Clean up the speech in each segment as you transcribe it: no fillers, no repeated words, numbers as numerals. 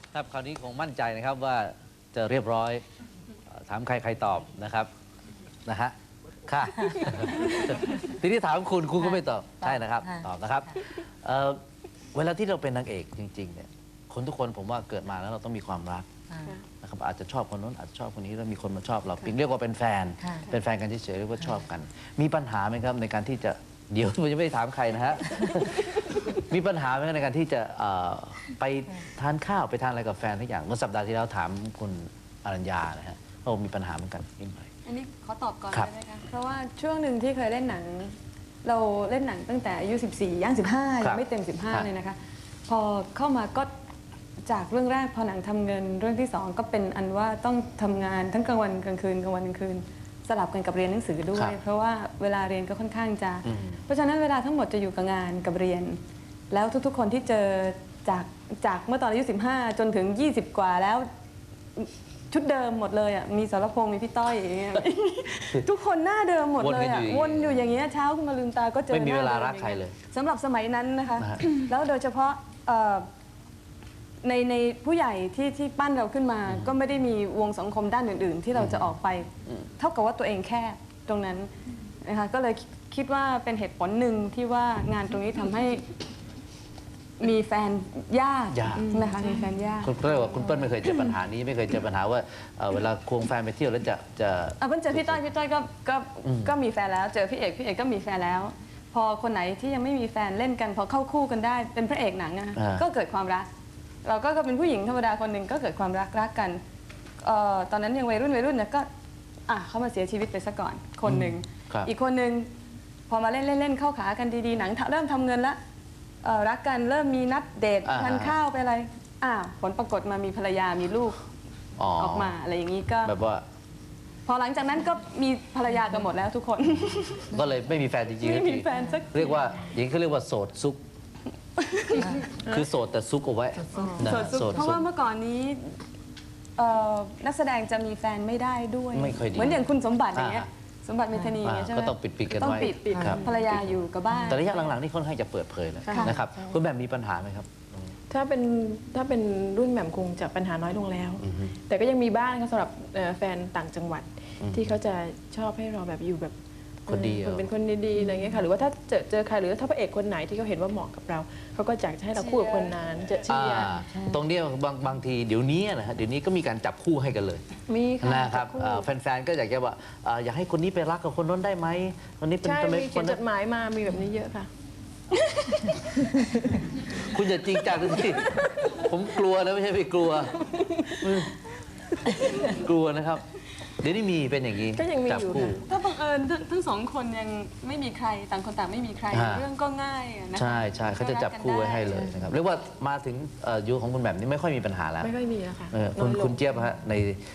ครับคราวนี้คงมั่นใจนะครับว่าจะเรียบร้อยถามใครตอบนะครับนะฮะค่ะ ทีนี้ถามคุณก็ไม่ตอบใช่นะครับตอบนะครับเวลาที่เราเป็นนางเอกจริงๆเนี่ยคนทุกคนผมว่าเกิดมาแล้วเราต้องมีความรักนะครับอาจจะชอบคนนู้นอาจจะชอบคนนี้แล้วมีคนมาชอบเราปิงเรียกว่าเป็นแฟนกันเฉยๆเรียกว่าชอบกัน มีปัญหาไหมครับในการที่จะเดี๋ยวผมจะไม่ได้ถามใครนะฮะ มีปัญหาไหมในการที่จะไปทานข้าวไปทานอะไรกับแฟนทุกอย่างเมื่อสัปดาห์ที่แล้วถามคุณอรัญญานะฮะเขามีปัญหาเหมือนกันนิดหน่อยอันนี้ขอตอบก่อนครับได้ไหมคะ เพราะว่าช่วงหนึ่งที่เคยเล่นหนัง เราเล่นหนังตั้งแต่อายุ 14 ย่าง 15 ยังไม่เต็ม 15 เลยนะคะ พอเข้ามาก็จากเรื่องแรกพอหนังทำเงินเรื่องที่ 2 ก็เป็นอันว่าต้องทำงานทั้งกลางวันกลางคืนกลางวันกลางคืน สลับกันกับเรียนหนังสือด้วย เพราะว่าเวลาเรียนก็ค่อนข้างจะ เพราะฉะนั้นเวลาทั้งหมดจะอยู่กับงานกับเรียน แล้วทุกๆ คนที่เจอจากเมื่อตอนอายุ 15 จนถึง 20 กว่าแล้ว ชุดเดิมหมดเลยอ่ะ มีสรพงษ์มีพี่ต้อยอย่างเงี้ย ทุกคนหน้าเดิมหมดเลยอ่ะ วนอยู่อย่างเงี้ยเช้าขึ้นมาลืมตาก็เจอไม่มีเวลาหน้ดิรักใครเลยสำหรับสมัยนั้นนะคะ แล้วโดยเฉพาะในผู้ใหญ่ที่ปั้นเราขึ้นมา ก็ไม่ได้มีวงสังคมด้านอื่น ๆ ที่เราจะออกไป เท่ากับว่าตัวเองแค่ตรงนั้นนะคะ ก็เลยคิดว่าเป็นเหตุผลหนึ่งที่ว่างานตรงนี้ทำให้มีแฟนยากนะคะมีแฟนยากคุณเปิ้ลว่าคุณเปิ้ลไม่เคยเจอปัญหานี้ไม่เคยเจอปัญหาว่าเวลาควงแฟนไปเที่ยวแล้วจะเพิ่งเจอพี่ต้อยก็มีแฟนแล้ว เจอพี่เอกก็มีแฟนแล้ว พอคนไหนที่ยังไม่มีแฟนเล่นกันพอเข้าคู่กันได้เป็นพระเอกหนังอะก็เกิดความรัก เราก็เป็นผู้หญิงธรรมดาคนหนึ่งก็เกิดความรักกันตอนนั้นยังวัยรุ่นเนี่ยก็เขามาเสียชีวิตไปซะก่อนคนหนึ่งอีกคนหนึ่งพอมาเล่นเข้าขากันดีๆหนังเริ่มทำเงินละรักกันเริ่มมีนัดเดททานข้าวไปอะไรผลปรากฏมามีภรรยามีลูกออกมาอะไรอย่างนี้ก็แบบว่าพอหลังจากนั้นก็มีภรรยากันหมดแล้วทุกคนก็เลยไม่มีแฟนจริงๆไม่มีแฟนสักเรียกว่าอย่างนี้เขาเรียกว่าโสดซุกคือโสดแต่ซุกเอาไว้โสดเพราะว่าเมื่อก่อนนี้นักแสดงจะมีแฟนไม่ได้ด้วยไม่ค่อยดีเหมือนอย่างคุณสมบัติอย่างเงี้ยสมบัติเมธานีใช่ไหมก็ต้องปิดกันไว้ต้องปิดภรรยาอยู่กับบ้านแต่ระยะหลังๆนี่ค่อนข้างจะเปิดเผยแล้วนะครับคุณแบบมีปัญหาไหมครับถ้าเป็นรุ่นแหม่มคงจะปัญหาน้อยลงแล้ว แต่ก็ยังมีบ้างสำหรับแฟนต่างจังหวัดที่เขาจะชอบให้เราแบบอยู่แบบคนดีเป็นคนดีๆอะไรเงี้ยค่ะหรือว่าถ้าเจอใครหรือถ้าพระเอกคนไหนที่เขาเห็นว่าเหมาะกับเราเขาก็อยากจะให้เราคู่กับคนนั้นจะเชียร์ตรงนี้บางทีเดี๋ยวนี้นะฮะเดี๋ยวนี้ก็มีการจับคู่ให้กันเลยมีค่ะนะครับแฟนๆก็อยากจะว่าอยากให้คนนี้ไปรักกับคนนั้นได้ไหมคนนี้เป็นใช่ทำไมมีเขียนจดหมายมามีแบบนี้เยอะค่ะคุณอย่าจริงจังสิผมกลัวนะไม่ใช่ไม่กลัวกลัวนะครับเดี๋ยวนี้มีเป็นอย่างนี้ก็ยังมีอยู่ถ้าบังเอิญทั้งสองคนยังไม่มีใครต่างคนต่างไม่มีใครเรื่องก็ง่ายนะใช่เขาจะจับคู่ไว้ให้เลยนะครับเรียกว่ามาถึงยุคของคุณแบบนี้ไม่ค่อยมีปัญหาแล้วไม่ค่อยมีแล้วค่ะคุณเจี๊ยบฮะใน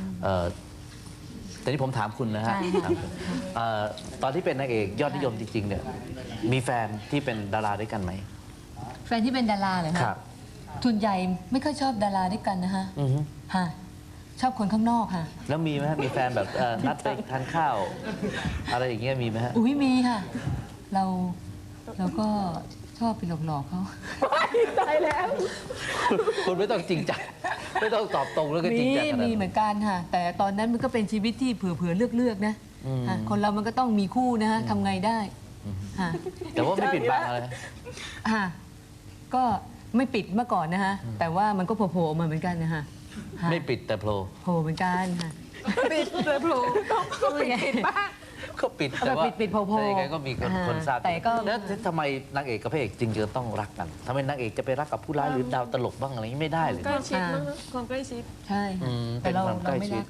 แต่นี่ผมถามคุณนะฮะตอนที่เป็นนางเอกยอดนิยมจริงๆเนี่ยมีแฟนที่เป็นดาราด้วยกันไหมแฟนที่เป็นดาราเหรอครับส่วนใหญ่ไม่ค่อยชอบดาราด้วยกันนะฮะชอบคนข้างนอกค่ะแล้วมีไหมมีแฟนแบบนัดไปทานข้าวอะไรอย่างเงี้ยมีไหมฮะมีค่ะเราก็ชอบไปหลอกเขาตายแล้วคุณไม่ต้องจริงจังไม่ต้องตอบตรงแล้วก็จริงจังมีเหมือนกันค่ะแต่ตอนนั้นมันก็เป็นชีวิตที่เผื่อเลือกนะคนเรามันก็ต้องมีคู่นะฮะทำไงได้แต่ว่าไม่ปิดบังอะไรก็ไม่ปิดเมื่อก่อนนะฮะแต่ว่ามันก็โผล่มาเหมือนกันนะฮะไม่ปิดแต่โผล่เหมือนกันค่ะปิดแต่โผล่ก็ปิดบ้างก็ปิดแต่ว่าปิดโผล่ยังไงก็มีคนทราบแล้วทำไมนางเอกกับพระเอกจริงจะต้องรักกันทำไมนางเอกจะไปรักกับผู้ร้ายหรือดาวตลกบ้างอะไรไม่ได้เลยใกล้ชิดมั้งความใกล้ชิดใช่แต่เราไม่รัก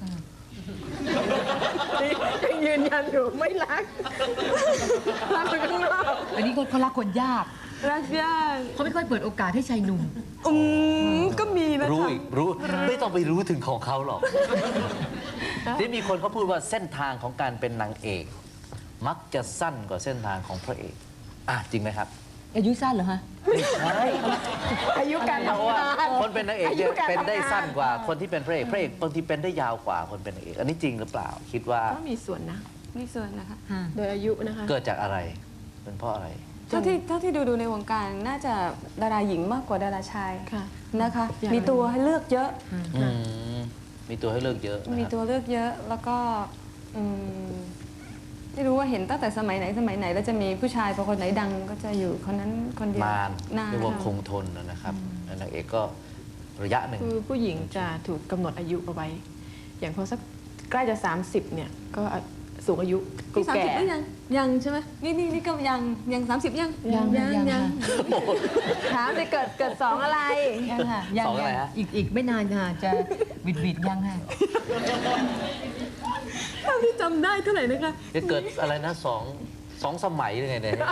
ยังยืนยันอยู่ไม่รักคนข้างนอกอันนี้เขารักคนยากรักยากเขาไม่ค่อยเปิดโอกาสให้ชายหนุ่มก็มีนะคะรู้ไม่ต้องไปรู้ถึงของเขาหรอกที่มีคนเขาพูดว่าเส้นทางของการเป็นนางเอกมักจะสั้นกว่าเส้นทางของพระเอกจริงไหมครับอายุสั้นเหรอฮะไม่ใช่อายุการทำงานคนเป็นนางเอกเป็นได้สั้นกว่าคนที่เป็นพระเอกบางทีเป็นได้ยาวกว่าคนเป็นนางเอกอันนี้จริงหรือเปล่าคิดว่าก็มีส่วนนะมีส่วนนะคะโดยอายุนะคะเกิดจากอะไรเป็นเพราะอะไรเท่าที่ดูในวงการน่าจะดาราหญิงมากกว่าดาราชายค่ะนะคะอย่างมีตัวให้เลือกเยอะอืมมีตัวให้เลือกเยอะนะมีครับตัวเลือกเยอะแล้วก็ไม่รู้ว่าเห็นตั้งแต่สมัยไหนแล้วจะมีผู้ชายพอคนไหนดังก็จะอยู่คนนั้นคนเดียวนานเรียกว่าคงทนนะครับนางเอกก็ระยะหนึ่งคือผู้หญิงจะถูกกำหนดอายุเอาไว้ อย่างพอสักใกล้จะ 30เนี่ยก็สูงอายุกูพี่30 แก่หรือยังใช่ไหมนี่ก็ยัง30ยังยังถามเลยเกิด2อะไรยังค่ะยังสองอะไรฮะอีกไม่นานค่ะจะบิดยังค่ะเท่าที่จำได้เท่าไหร่นะคะจะเกิดอะไรนะสองสมัยหรือไงเนี่ย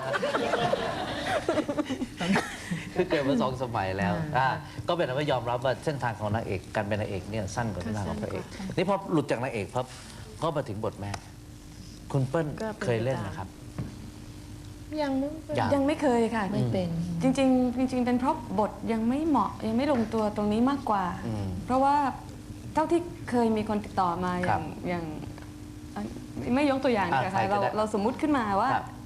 คือเกิดมา2 สมัยแล้วก็เป็นว่ายอมรับว่าเส้นทางของนางเอกการเป็นนางเอกเนี่ยสั้นกว่าเส้นทางของพระเอกนี่พอหลุดจากนางเอกพับก็มาถึงบทแม่ คุณเปิ้ลก็เป็นเคยเล่นนะครับยังมั้งยังไม่เคยค่ะไม่เป็นจริงเป็นเพราะบทยังไม่เหมาะยังไม่ลงตัวตรงนี้มากกว่า เพราะว่าเท่าที่เคยมีคนติดต่อมาอย่างไม่ยกตัวอย่างดีกว่าค่ะเราสมมุติขึ้นมาว่า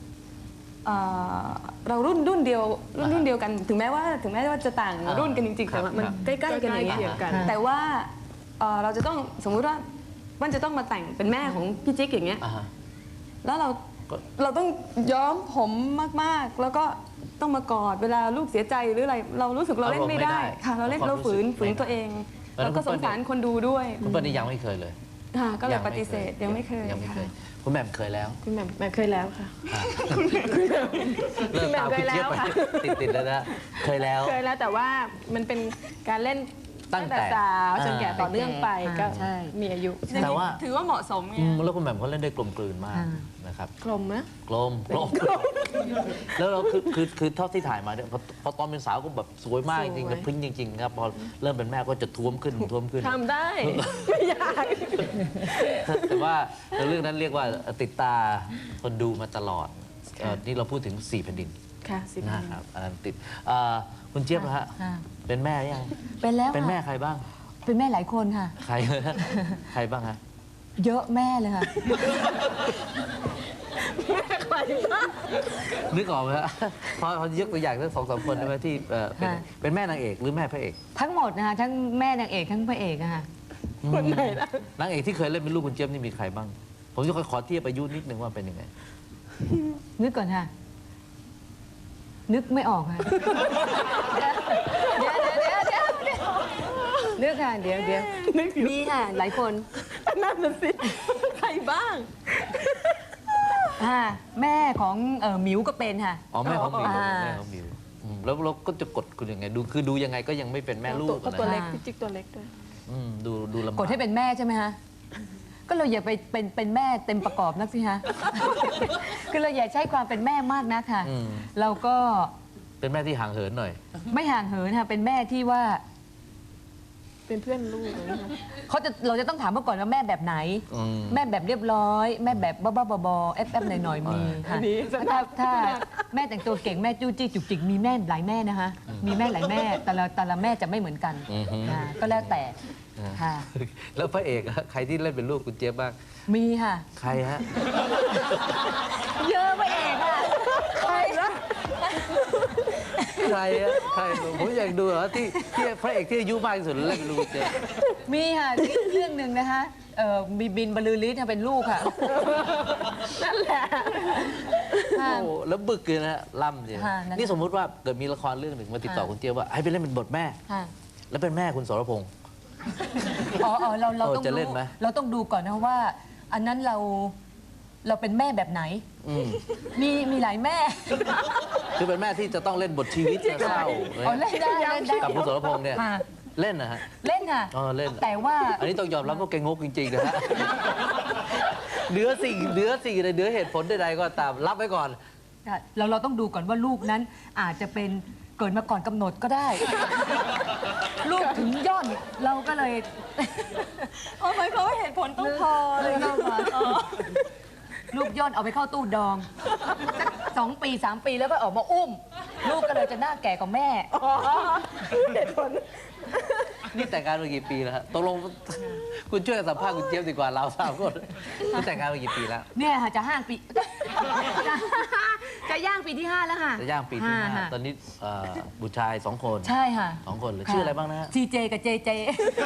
เรารุ่นเดียวกันถึงแม้ว่าจะต่างรุ่นกันจริงๆแต่ว่ามันใกล้ๆกันอย่างเงี้ย แต่ว่าเราจะต้องสมมุติว่ามันจะต้องมาแต่งเป็นแม่ของพี่จิ๊กอย่างเงี้ยแล้วเราต้องย้อมผมมากๆ แล้วก็ต้องมากอดเวลาลูกเสียใจหรืออะไรเรารู้สึกเราเล่นไม่ได้ค่ะเราฝืนตัวเองแล้วก็สงสารคนดูด้วยคุณเปิ้ลนี่ยังไม่เคยเลยค่ะก็เลยปฏิเสธยังไม่เคยยังไม่เคยค่ะคุณแหม่มเคยแล้วคุณแหม่มเคยแล้วค่ะเริ่มตามคุณเจี๊ยบไปติดแล้วนะเคยแล้วเคยแล้วแต่ว่ามันเป็นการเล่นตั้งแต่สาวจนแก่ต่อเนื่องไปก็ใช่มีอายุแต่ว่าถือว่าเหมาะสมไงแล้วคุณแหม่มเขาเล่นได้กลมกลืนมากนะครับกลมนะกลมแล้วเราคือเท่าที่ถ่ายมาเนี่ยพอตอนเป็นสาวก็แบบสวยมากจริงๆแล้วพริ้งจริงๆครับพอเริ่มเป็นแม่ก็จะท้วมขึ้นทำได้ ไม่ยากแต่ว่าเรื่องนั้นเรียกว่าติดตาคนดูมาตลอดนี่เราพูดถึง4 แผ่นดินค่ะสิบนะครับอันนั้นติดคุณเจี๊ยบนะฮะค่ะเป็นแม่ยังเป็นแล้วเป็นแม่ค่ะใครบ้างเป็นแม่หลายคนค่ะใคร ใครบ้างฮะเยอะแม่เลยค่ะนึกออกไหมฮะพอยกตัวอย่างสัก2-3 คนได้ไหมที่เป็นแม่นางเอกหรือแม่พระเอกทั้งหมดนะคะทั้งแม่นางเอกทั้งพระเอกอะค่ะคนไหนล่ะนางเอกที่เคยเล่นเป็นลูกคุณเจี๊ยบนี่มีใครบ้าง ผมจะขอเทียบอายุนิดนึงว่าเป็นยังไงนึกก่อนค่ะ นึกไม่ออกค่ะ เดี๋ยวนึกค่ะเดี๋ยวมีค่ะหลายคนนั่นน่ะสิ ใครบ้างแม่ของหมิวก็เป็นค่ะอ๋อแม่ของหมิวอ่าแม่ของหมิวแล้วเราก็จะกดคุณยังไงดูยังไงก็ยังไม่เป็นแม่ลูกก็นะตัวเล็กอ่าพี่จิ๊กตัวเล็กด้วยดูลำบากกดให้เป็นแม่ใช่ไหมคะก็เราอย่าไปเป็นแม่เต็มประกอบนักสิฮะ คือเราอย่าใช้ความเป็นแม่มากนักค่ะ เราก็เป็นแม่ที่ห่างเหินหน่อยไม่ห่างเหินค่ะเป็นแม่ที่ว่าเป็นเพื่อนลูกเลยนะคะเราจะต้องถามเมื่อก่อนว่าแม่แบบไหน แม่แบบเรียบร้อย แม่แบบบ้าๆบอๆแอบๆหน่อยๆมีค่ะถ้าแม่แต่งตัวเก่งแม่จู้จี้จุกจิกมีแม่หลายแม่นะคะมีแม่หลายแม่แต่ละแม่จะไม่เหมือนกันค่ะก็แล้วแต่ค่ะแล้วพระเอกอะใครที่เล่นเป็นลูกคุณเจี๊ยบบ้างมีค่ะใครฮะเยอะไปเองค่ะใครนะใครอะใครผมอยากดูเหรอที่พระเอกที่อายุมากที่สุดเล่นเป็นลูกคุณเจี๊ยบมีค่ะเรื่องหนึ่งนะคะมีบินบรรลือฤทธิ์เป็นลูกค่ะนั่นแหละโอ้โหแล้วบึกเลยนะฮะล่ำเลยค่ะนั่นนี่สมมุติว่าเกิดมีละครเรื่องหนึ่งมาติดต่อคุณเจี๊ยบว่าให้ไปเล่นเป็นบทแม่ค่ะแล้วเป็นแม่คุณสรพงษ์เราต้องจะเล่นไหมเราต้องดูก่อนนะว่า อันนั้นเราเป็นแม่แบบไหน มีหลายแม่คือเป็นแม่ที่จะต้องเล่นบทชีวิตเศร้าอ๋อเล่นได้กับคุณสรพงษ์เนี่ยค่ะเล่นนะฮะเล่นค่ะเล่นแต่ว่าอันนี้ต้องยอมรับว่าแกงกจริงๆนะฮะเหนือสิ่งเหนือเหตุผลใดๆก็ตามรับไว้ก่อนเราต้องดูก่อนว่าลูกนั้นอาจจะเป็นเกิดมาก่อนกำหนดก็ได้ ลูกถึงย่อนเราก็เลยหมายความว่าเหตุผลต้องพอเลยเข้ามาลูกย่อนเอาไปเข้าตู้ดองสัก2 ปี 3 ปีแล้วก็ออกมาอุ้ม ลูกก็เลยจะหน้าแก่กว่าแม่เหตุผลนี่แต่งงานมากี่ปีแล้วฮะตกลงคุณช่วยสัมภาษณ์คุณเจี๊ยบดีกว่าเรา3 คนคุณแต่งงานมากี่ปีแล้วเนี่ยค่ะจะ5 ปี จะจะย่างปีที่ 5 แล้วค่ะจะย่างปีที่ค่ะ 5 ตอนนี้บุตรชาย2 คนใช่ค่ะ 2 คนเลยชื่ออะไรบ้างนะฮะซีเจกับเจเจ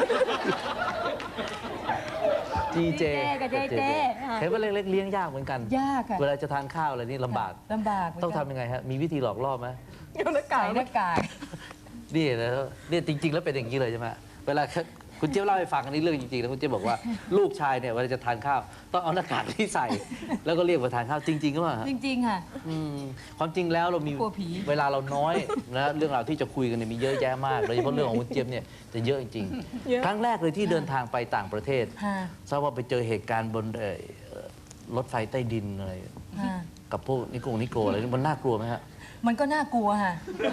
จีเจกับเจเจค่ะเห็นว่าเล็กๆเลี้ยงยากเหมือนกันยากค่ะเวลาจะทานข้าวอะไรนี่ลำบากลำบากเหมืนกันต้องทำยังไงฮะ มีวิธีหลอกล่อไหมเอาหน้ากากใส่หน้ากากนี่นะเนี่ยจริง ๆ แล้วเป็นอย่างนี้เลยใช่ไหมเวลาคุณเจี๊ยบเล่าให้ฟังอันนี้เรื่องจริงๆนะคุณเจี๊ยบบอกว่าลูกชายเนี่ยเวลาจะทานข้าวต้องเอาหน้ากากที่ใส่ แล้วก็เรียกมาทานข้าวจริงๆก็ว่าจริงๆค่ะความจริงแล้วเรามีกลัวผีเวลาเราน้อยนะเรื่องราวที่จะคุยกันเนี่ยมีเยอะแยะมากโดยเฉพาะเรื่องของคุณเจี๊ยบเนี่ยจะเยอะจริงๆครั้งแรกเลยที่เดินทางไปต่างประเทศค่ะทราบว่าไปเจอเหตุการณ์บนรถไฟใต้ดินอะไรค่ะกับพวกนิโกอะไรนี่มันน่ากลัวไหมฮะมันก็น่ากลัวค่ะ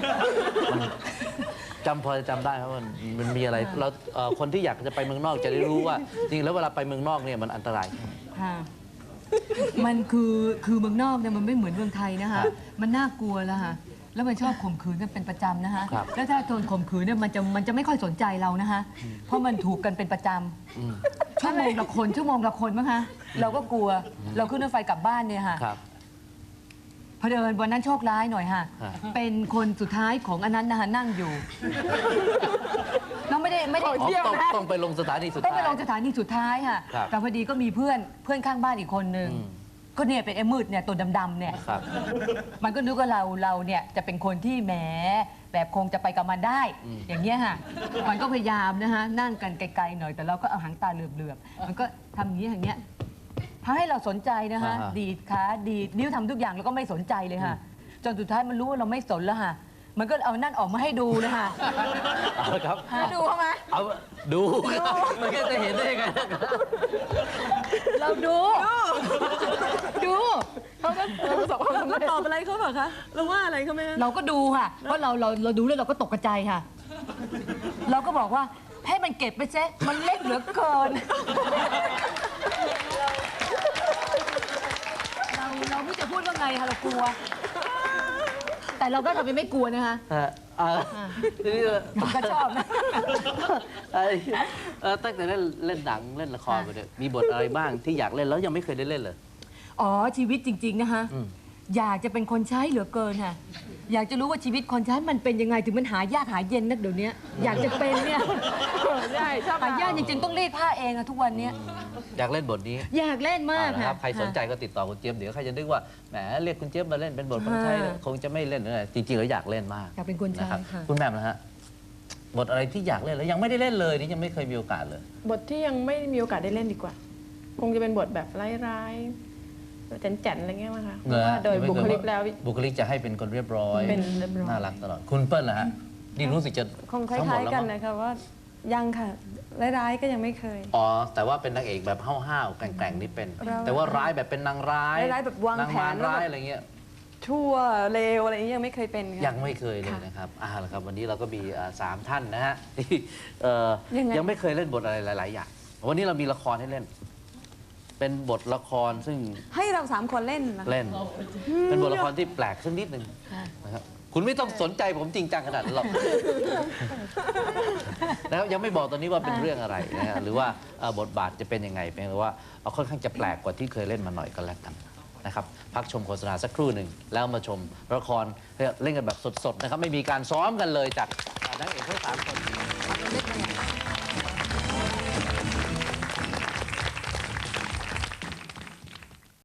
พอจะจำได้ครับว่ามันมีอะไรเราคนที่อยากจะไปเมืองนอกจะได้รู้ว่า จริงแล้วเวลาไปเมืองนอกเนี่ยมันอันตรายค่ะ มันคือเมืองนอกเนี่ยมันไม่เหมือนเมืองไทยนะคะ มันน่ากลัวแล้วค่ะ แล้วมันชอบข่มขืนกันเป็นประจำนะคะครับแล้วถ้าโดนข่มขืนเนี่ยมันจะไม่ค่อยสนใจเรานะคะ เพราะมันถูกกันเป็นประจอืมำชั่วโมงละคนมั้งคะ เราก็กลัว เราขึ้นรถไฟกลับบ้านเนี่ยค่ะครับพอเดินวันนั้นโชคร้ายหน่อยค่ะฮะเป็นคนสุดท้ายของอันนั้นนะคะนั่งอยู่ เราไม่ได้อ๋อต้องไปลงสถานีสุดต้องท้ายไปลงสถานีสุดท้ายค่ะครับแต่พอดีก็มีเพื่อนข้างบ้านอีกคนนึงอืมก็เนี่ยเป็นไอ้มืดเนี่ยตัวดำๆเนี่ยครับมันก็นึกว่าเราเนี่ยจะเป็นคนที่แหมแบบคงจะไปกับมันได้ อย่างเงี้ยค่ะ มันก็พยายามนะคะนั่งกันไกลๆหน่อยแต่เราก็เอาหางตาเหลือบๆมันก็ทำอย่างนี้อย่างเงี้ยพาให้เราสนใจนะคะอ่าฮะดีดขาดีดนิ้วทำทุกอย่างแล้วก็ไม่สนใจเลยค่ะ จนสุดท้ายมันรู้ว่าเราไม่สนแล้วค่ะ มันก็เอานั่นออกมาให้ดูเลยค่ะเอาละครับดูเขาไหมเอาดูมันก็จะเห็นได้ยังไงเราดูเขาก็ประสบความสำเราเร็จตอบอะไรเขาเปล่าคะเราว่าอะไรเขาไหมคะเราก็ดูค่ะ เพราะเราดูแล้วเราก็ตกใจค่ะ เราก็บอกว่าให้มันเก็บไปเซะมันเล็กเหลือเกิน เราไม่รู้จะพูดว่าไงค่ะเรากลัว แต่เราก็ทำเป็นไม่กลัวนะคะฮะทีนี้มันก็ชอบนะตั้งแต่เล่นหนังเล่นละครไปเนี่ยมีบทอะไรบ้างที่อยากเล่นแล้วยังไม่เคยได้เล่นเลยอ๋อชีวิตจริง ๆ นะคะอืมอยากจะเป็นคนใช้เหลือเกินค่ะ อยากจะรู้ว่าชีวิตคนใช้มันเป็นยังไงถึงมันหายากหาเย็นนักเดี๋ยวนี้อยากจะเป็นเนี่ยใช่ชอบหายากจริงๆต้องรีดผ้าเองอะทุกวันเนี้ยอยากเล่นบทนี้อยากเล่นมากนะคค่ะรับใครสนใจก็ติดต่อคุณเจี๊ยบเดี๋ยวใครจะนึกว่าแหมเรียกคุณเจี๊ยบมาเล่นเป็นบทคนใช้คงจะไม่เล่นนะจริงๆแล้วอยากเล่นมากอยากเป็นคนใช้นะครับค่ะคุณแหม่มนะฮะบทอะไรที่อยากเล่นแล้วยังไม่ได้เล่นเลยนี่ยังไม่เคยมีโอกาสเลยบทที่ยังไม่มีโอกาสได้เล่นดีกว่า คงจะเป็นบทแบบร้ายๆแจ๋นๆอะไรเงี้ยมั้งคะเพราะว่าโดยบุคลิกแล้วบุคลิกจะให้เป็นคนเรียบร้อยเป็นเรียบร้อยน่ารักตลอดคุณเปิ้ลนะฮะนี่รู้สึกจะคงคทั้งหมล้าดยแล้วๆกันมั้งนะคะว่ายังค่ะร้ายๆก็ยังไม่เคยอ๋อแต่ว่าเป็นนางเอกแบบห้าวๆแกร่งๆนี่เป็นเราแต่ว่าร้ายแบบเป็นนางร้ายร้ายแบบวางนางแผมารนแล้วร้ายแบบอะไรเงี้ยชั่วเลวอะไรอย่างนี้ยังไม่เคยเป็นค่ะยังไม่เคยเลยค่ะนะครับละครับวันนี้เราก็มี3 ท่านนะฮะที่ยังไงยังไม่เคยเล่นบทอะไรหลาย ๆ อย่างวันนี้เรามีละครให้เล่น เป็นบทละครซึ่งให้เรา3 คนเล่นนะเล่น เป็นบทละครที่แปลกสักนิดหนึ่งนะครับคุณไม่ต้องสนใจผมจริงจังขนาดนั้นหรอก นะครับยังไม่บอกตอนนี้ว่าเป็นเรื่องอะไรนะฮะหรือว่าบทบาทจะเป็นยังไงเพียงแต่ว่าค่อนข้างจะแปลกกว่าที่เคยเล่นมาหน่อยก็แล้วกันนะครับพักชมโฆษณาสักครู่หนึ่งแล้วมาชมละครเล่นกันแบบสดๆนะครับไม่มีการซ้อมกันเลยจากนักเอกทั้ง3 คน